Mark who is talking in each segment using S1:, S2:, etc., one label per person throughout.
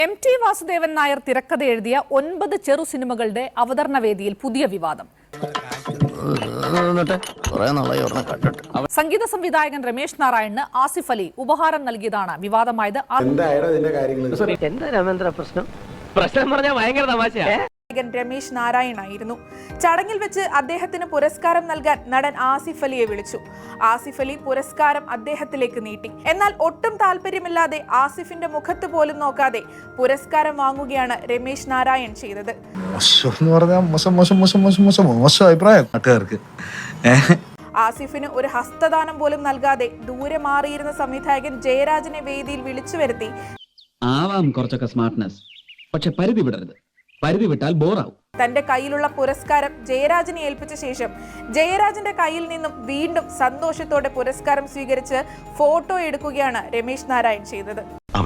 S1: MT Vasudevan Nair തിരക്കഥ എഴുതിയ 9 ചെറു സിനിമകളുടെ അവതരണ വേദിയിൽ പുതിയ വിവാദം. സംഗീത സംവിധായകൻ രമേശ് നാരായണന് ആസിഫ് അലി ഉപഹാരം നൽകിയതാണ് വിവാദമായത്.
S2: രമേശ് നാരായണായിരുന്നു. ചടങ്ങിൽ വെച്ച് അദ്ദേഹത്തിന് പുരസ്കാരം നൽകാൻ നടൻ ആസിഫ് അലിയെ വിളിച്ചു. ആസിഫ് അലി പുരസ്കാരം അദ്ദേഹത്തിലേക്ക് നീട്ടി. എന്നാൽ ഒട്ടും താല്പര്യമില്ലാതെ ആസിഫിന്റെ മുഖത്ത് പോലും നോക്കാതെ പുരസ്കാരം വാങ്ങുകയാണ് രമേശ് നാരായൺ ചെയ്തത്. ആസിഫിന് ഒരു ഹസ്തദാനം പോലും നൽകാതെ ദൂരെ മാറിയിരുന്ന സംവിധായകൻ ജയരാജനെ വേദിയിൽ വിളിച്ചു വരുത്തി.
S3: ആവാം കുറച്ചൊക്കെ സ്മാർട്ട്നെസ്, പക്ഷെ പരിധി വിടരുത്. പരിധി വിട്ടാൽ ബോറാവും.
S2: തന്റെ കയ്യിലുള്ള പുരസ്കാരം ജയരാജനെ ഏൽപ്പിച്ച ശേഷം ജയരാജന്റെ കയ്യിൽ നിന്നും വീണ്ടും സന്തോഷത്തോടെ പുരസ്കാരം സ്വീകരിച്ച് ഫോട്ടോ എടുക്കുകയാണ് രമേശ് നാരായൺ ചെയ്തത്.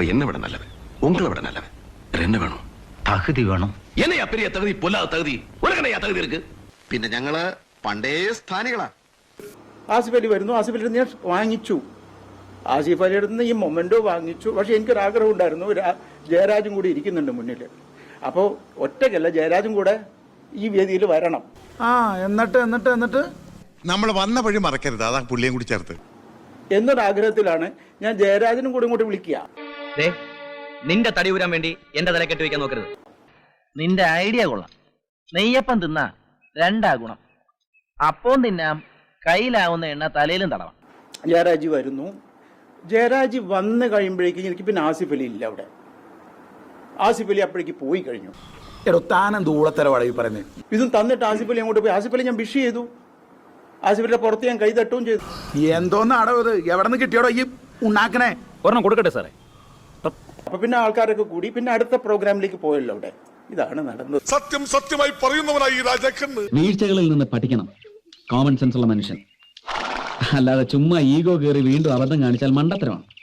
S4: പിന്നെ ഞങ്ങള് പണ്ടേ സ്ഥാനികളാ.
S5: ആസിഫ് അലി വരുന്നു, ആസിഫ് അലി ഞാൻ വാങ്ങിച്ചു, ആസിഫ് അലിയുടെ നിന്ന് ഈ മൊമെന്റോ വാങ്ങിച്ചു. പക്ഷെ എനിക്കൊരാഗ്രഹം ഉണ്ടായിരുന്നു, ജയരാജും കൂടി ഇരിക്കുന്നുണ്ട് മുന്നിൽ. അപ്പോൾ ഒറ്റയ്ക്കല്ല, ജയരാജും കൂടെ ഈ വേദിയിൽ വരണം.
S6: എന്നിട്ട് നമ്മൾ വന്ന വഴി മറക്കരുത്, അതാ പുള്ളിയും കൂടി ചേർത്ത്
S5: എന്നൊരാഗ്രഹത്തിലാണ് ഞാൻ ജയരാജനും കൂടി ഇങ്ങോട്ട് വിളിക്കുക.
S7: നിന്റെ തടി ഊരാൻ വേണ്ടി എന്റെ തല കെട്ടി വെക്കാൻ നോക്കരുത്. നിന്റെ ഐഡിയ കൊള്ളാം. നെയ്യപ്പം തിന്നാ 2 ഗുണം. അപ്പം തിന്നാം, കയ്യിലാവുന്ന എണ്ണ തലയിലും തടവാം.
S5: ജയരാജ് വരുന്നു. ജയരാജ് വന്ന് കഴിയുമ്പോഴേക്കും എനിക്ക് പിന്നെ ആസിഫ് അലി ഇല്ല അവിടെ. ആസിഫ് അലി അപ്പോഴേക്ക് പോയി കഴിഞ്ഞു. ഇതും തന്നിട്ട് ആസിഫ് അലി അങ്ങോട്ട് പോയി. ആസിഫ് അലി ഞാൻ വിഷ് ചെയ്തു. ആസിഫ് അലിയുടെ പുറത്ത് ഞാൻ കൈ തട്ടുകയും ചെയ്തു.
S8: എന്തോന്നാടോ ഇത്? എവിടെ നിന്ന് കിട്ടിയോടോ ഈ ഉണ്ടാക്കണേ? ഒരെണ്ണം കൊടുക്കട്ടെ സാറേ.
S5: അപ്പൊ പിന്നെ ആൾക്കാരൊക്കെ കൂടി പിന്നെ അടുത്ത പ്രോഗ്രാമിലേക്ക് പോയല്ലോ അവിടെ. ഇതാണ് നടന്നത്.
S6: സത്യമായി പറയുന്നവനായി
S3: വീഴ്ചകളിൽ നിന്ന് പഠിക്കണം കോമൺ സെൻസ് ഉള്ള മനുഷ്യൻ. അല്ലാതെ ചുമ്മാ ഈഗോ കയറി വീണ്ടും അബദ്ധം കാണിച്ചാൽ മണ്ടത്തരമാണ്.